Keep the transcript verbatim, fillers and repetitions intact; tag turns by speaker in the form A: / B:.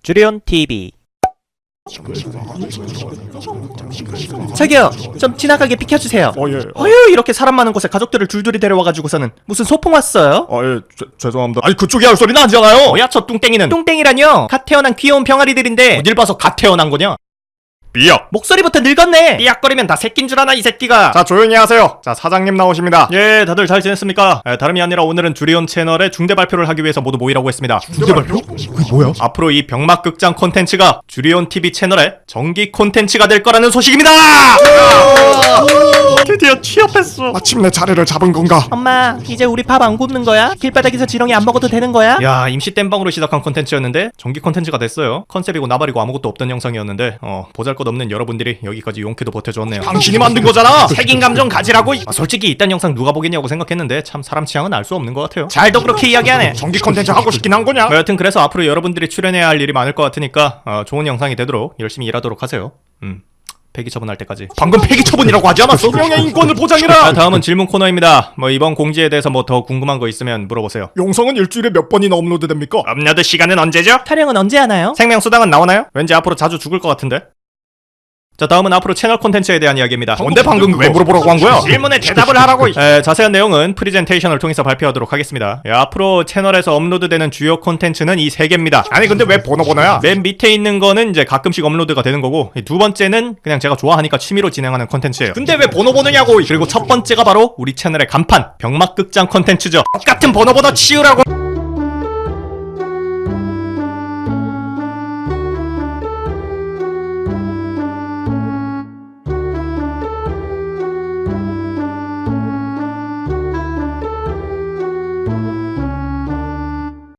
A: 주리온 티비. 저기요, 좀 지나가게 비켜주세요.
B: 어, 예.
A: 어휴, 이렇게 사람 많은 곳에 가족들을 줄줄이 데려와가지고서는 무슨 소풍 왔어요?
B: 아, 예, 죄, 죄송합니다. 아니, 그쪽이 할 소리는 아니잖아요.
A: 뭐야 저 뚱땡이는? 뚱땡이라뇨? 갓 태어난 귀여운 병아리들인데
B: 어딜 봐서 갓 태어난 거냐? 삐약.
A: 목소리부터 늙었네. 삐약거리면 다 새낀 줄 아나 이 새끼가.
B: 자, 조용히 하세요. 자, 사장님 나오십니다.
A: 예, 다들 잘 지냈습니까? 에, 다름이 아니라 오늘은 주리온 채널에 중대 발표를 하기 위해서 모두 모이라고 했습니다.
B: 중대 발표? 그게 뭐야?
A: 앞으로 이 병맛극장 콘텐츠가 주리온 티비 채널의 정기 콘텐츠가 될 거라는 소식입니다.
B: 드디어 취업했어. 마침내 자리를 잡은 건가?
A: 엄마, 이제 우리 밥 안 굽는 거야? 길바닥에서 지렁이 안 먹어도 되는 거야? 야, 임시 땜방으로 시작한 콘텐츠였는데 정기 콘텐츠가 됐어요. 컨셉이고 나발이고 아무것도 없던 영상이었는데 어, 보잘것없는 여러분들이 여기까지 용케도 버텨줬네요.
B: 당신이 만든 거잖아.
A: 책임감 좀 가지라고. 아, 솔직히 이딴 영상 누가 보겠냐고 생각했는데 참 사람 취향은 알 수 없는 것 같아요. 잘도 그렇게 이야기하네.
B: 정기 콘텐츠 하고 싶긴 한 거냐?
A: 뭐 여튼 그래서 앞으로 여러분들이 출연해야 할 일이 많을 것 같으니까 어, 좋은 영상이 되도록 열심히 일하도록 하세요. 음. 폐기 처분할 때까지.
B: 방금 폐기 처분이라고 하지 않았어? 명예 인권을 보장해라.
A: 자, 다음은 질문 코너입니다. 뭐 이번 공지에 대해서 뭐 더 궁금한 거 있으면 물어보세요.
B: 용성은 일주일에 몇 번이나 업로드 됩니까?
A: 업로드 시간은 언제죠? 촬영은 언제 하나요? 생명수당은 나오나요? 왠지 앞으로 자주 죽을 것 같은데. 자, 다음은 앞으로 채널 콘텐츠에 대한 이야기입니다.
B: 뭔데 방금 왜 물어보라고 한 거야?
A: 질문에 대답을 하라고. 에, 자세한 내용은 프리젠테이션을 통해서 발표하도록 하겠습니다. 예, 앞으로 채널에서 업로드되는 주요 콘텐츠는 이 세 개입니다.
B: 아니 근데 왜 번호 번호야?
A: 맨 밑에 있는 거는 이제 가끔씩 업로드가 되는 거고, 이 두 번째는 그냥 제가 좋아하니까 취미로 진행하는 콘텐츠예요.
B: 근데 왜 번호 번호냐고?
A: 그리고 첫 번째가 바로 우리 채널의 간판 병맛극장 콘텐츠죠.
B: 똑같은 번호 번호 치우라고.